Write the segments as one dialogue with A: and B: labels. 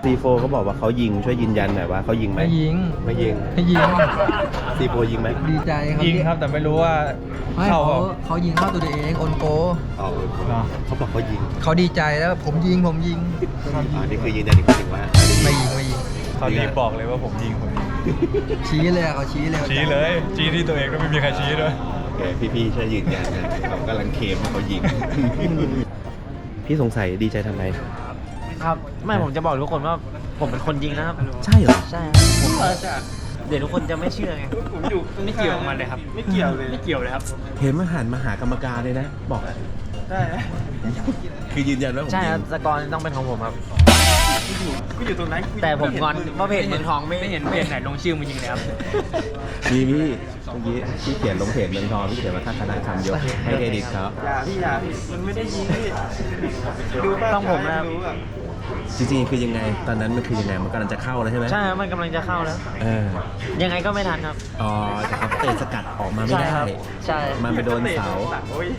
A: C4 เขาบอกว่าเขายิงช่วยยืนยันหน่อยว่าเขายิงไหม
B: ไม่ยิง
A: ไม่ยิง
B: ไม่ยิง
A: C4 ยิงไหม
B: ดีใจครับ
C: ยิงครับแต่ไม่รู้ว่า
B: ไม่
C: เข้า
B: เขายิงเข้าตัวเองโอนโก
A: อ๋อเขาบอกเขายิง
B: เขาดีใจแล้วผมยิง
A: นี่คือยืนยันอีกทีว่า
B: ไม่ยิง
C: เขารีบบอกเลยว่าผมยิง
B: ชี้เลยอะเขาชี้เลย
C: ชี้เลยชี้ที่ตัวเองก็ไม่มีใครชี้ด้วย
A: โอเคพี่ๆช่วยยืนยันนะเขากำลังเคลมว่าเขายิง พี่สงสัยดีใจทำไม
D: ครับไม่ผมจะบอกทุกคนว่าผมเป็นคนยิงนะครับ
A: ใช่เหรอ
D: ใช่ผมเดี๋ยวทุกคนจะไม่เชื่อไงผมอยู่ไม่เกี่ยวกับมันเลยครับไม่เกี่ยวเลยครับ
A: เห็นมาหันมาหากรรมการเลยนะ บอกอะ
D: ใช่
A: คือยืนยันว่าผม
D: ใช่
A: ยิ
D: ครับ
A: ง
D: สกอร์ต้องเป็นของผมครับ
E: กูอยู่ตรงนั้น
D: แต่ผมงอนว่าเพจเมืองทองไม่เห็นเพจไหนลงชื่อมึงยิงเลยครับ
A: มีพี่เมื่อกี้พี่เขียนลงเพจเมืองทองพี่เขียนมาทักคณะคำยกให้เครดิตเขา
E: อย่าพี่มันไม่ได้ยิงพี่ดูป่ะ
D: ต้องผมนะครับ
E: รู้อะ
A: จริงๆคือยังไง ตอนนั้นมันคือยังไงมันกำลังจะเข้าแล้วใช่ไหม
D: ใช่ครับมันกำลังจะเข้าแล้ว
A: เออ
D: ยังไงก็ไม่ทันครับ
A: อ๋อแต่เขาเตะสกัดออกมาไม่
D: ใช่
A: ได้
D: ครับใช่
A: มันไปโดนเสา
E: โอ้ย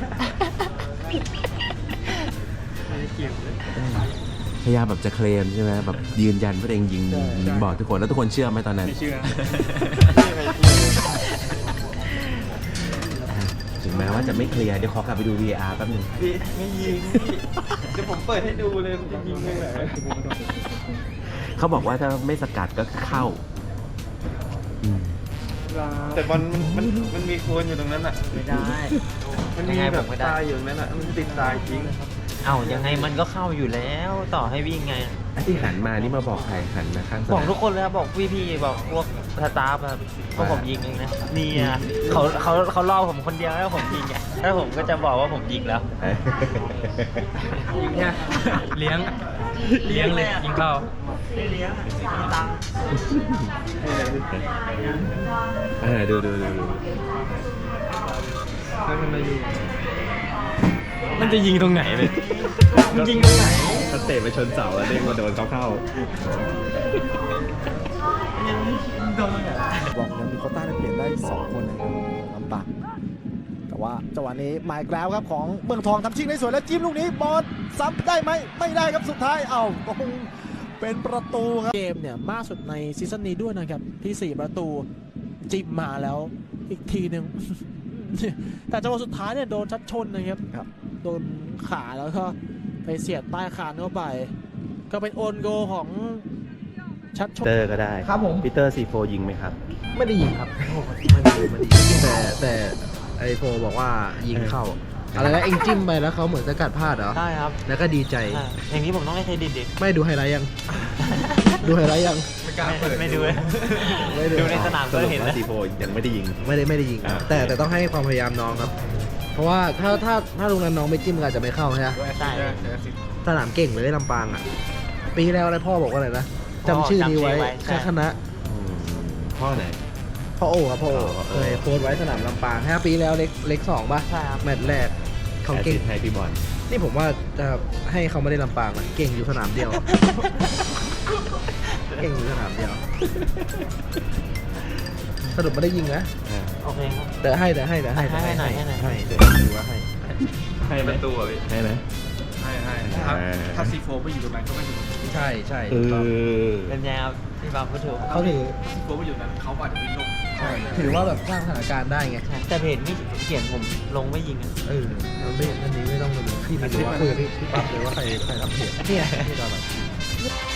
A: พยายามแบบจะเคลมใช่ไหมแบบยืนยันว่าตัวเองยิงบอกทุกคนแล้วทุกคนเชื่อไหมตอนนั้น
C: ไม่เชื่อ
A: ถึงแม้ว่าจะไม่เคลียร์เดี๋ยวขอกลับไปดู VAR แป๊บหนึง
E: พี่ไม่ยิงพี่เดี๋ยวผมเปิดให้ดูเลยผมจะยิงเลยเหรอ
A: เขาบอกว่าถ้าไม่สกัดก็เข้าอืม
E: แต่บอลมันมีโคนอยู่ตรงนั้นอ่ะ
D: ไม่ได้
E: มันมี
D: ยังไง
E: แบ
D: ผ
E: บ
D: มไม่ได้
E: ตายอยู่ตรงนั้นอ่ะมันติดตายจริง
D: เอ้ายังไงมันก็เข้าอยู่แล้วต่อให้วิ่งไง
A: ไอ้ที่หันมานี่มาบอกใครหันมาข้างส
D: บอก
A: นาม
D: ทุกคนเลยครับบอกพี่ๆบอกพวกสตาฟครับเพราะผมยิงเองนะนี่อ่ะเขาล่อผมคนเดียวแล้วผมยิงไงแล้วผมก็จะบอกว่าผมยิงแล้ว
A: เอ้ย
D: ยิงเนี่ย
C: เลี้ยงเลยยิงเข้า
D: เลี้ยงตังค์
A: ดู
C: มันจะยิงตรงไหนเลย
D: ยิงตรงไหน
A: ถ้าเตะไปชนเสาแล้วเด้งมาโดนเขาเข้า
F: บอกยังมีโควต้าได้เปลี่ยนได้ 2 คนนะครับลำบากแต่ว่าจังหวะนี้มาอีกแล้วครับของเมืองทองทำชิงได้สวยแล้วจิ้มลูกนี้บอลซ้ำได้ไหมไม่ได้ครับสุดท้ายก็คงเป็นประตูครับเกมเนี่ยมากสุดในซีซั่นนี้ด้วยนะครับที่ 4 ประตูจิ้มมาแล้วอีกทีหนึ่ง แต่จังหวะสุดท้ายเนี่ยโดนชัดชนนะครับโดนขาแล้วก็ไปเสียบใต้คานเข้าไป ก็เป็นโอนโกของชัดชน
A: เตอร์ก็ได้
B: ครับผม
A: ปีเตอร์C4 ยิงไหมครับ
B: ไม่ได้ยิงครับไม่ได้ยิงแต่ไอโฟบอกว่ายิงเข้าอะไรนะเอ็งจิ้มไปแล้วเขาเหมือนสกัดพลาดเหรอ
D: ใช่ครับ
B: แล้วก็ดีใจ
D: ใช่อย่างนี้ผมต้องให้เครดิตดิ
B: ไม่ดูไฮไลท์ยัง ดูไฮไลท์ยัง
D: ไม่ดูเลย
B: ไม่ดู
D: ดูในสนาม
A: ส
D: ก็
A: รุป
D: เห็น
A: ว่า
D: แล้ว
A: C4 ยังไม่ได้ยิง
B: ไม่ได้ยิงครับแต่ต้องให้ความพยายามน้องครับ เพราะว่าถ้าลุงนั้นน้องไม่จิ้มก็อาจจะไม่เข้าใช่ไหม
D: ใช่
B: สนามเก่งเลยได้ลำปางอ่ะปีที่แล้วอะไรพ่อบอกว่าอะไรนะจำชื่อนี้ไว้แค่คณะ
A: พ่อไหน
B: พ่อโอ้ครับพ่อโอ้
A: อ๋อ
B: เคยโพสต์ไว้สนามลำปาง5 ปีแล้วเล็ก2ป่ะ
D: ใช่ครับ
B: แมตช์แรกเขาเก่ง
A: ให้พี่บอล
B: นี่ผมว่าจะให้เขาไม่ได้ลำปางอะเก่งอยู่สนามเดียว เก่งอยู่สนามเดียว สรุปไม่ได้ยิงนะ
D: โอเคครับ
B: เดี๋ยวให้
D: ให้หน่อยให้หน่อย
B: ให้เดี๋ยวดูว่าให้
A: ให้ไหม
C: ประตูอ่ะพี่
A: ให้ไหม
C: ให้
E: ถ้าซีโฟไม่อยู่ตรงนั้นก็ไม่อยู่ตรงนั้น
B: ใช่
A: เออ
D: เป็นไงครับพี่บางพูดถูก
B: เขาถือ
E: ซีโฟไม่อยู่ตรงนั้นเขาอาจจะวิ่งลง
B: ถือว่าแบบสร้างสถานการณ์ได้ไง
D: แต่เพจไม่เขียนผมลงไม่ยิงอ่ะ
B: มันไม่อันนี้ไม่ต้องมาดูพี่ไม่รู้ว่าคุยกับพี่ปั๊บเลยว่าใครทำเพจเนี่ยที่ตอนแบบ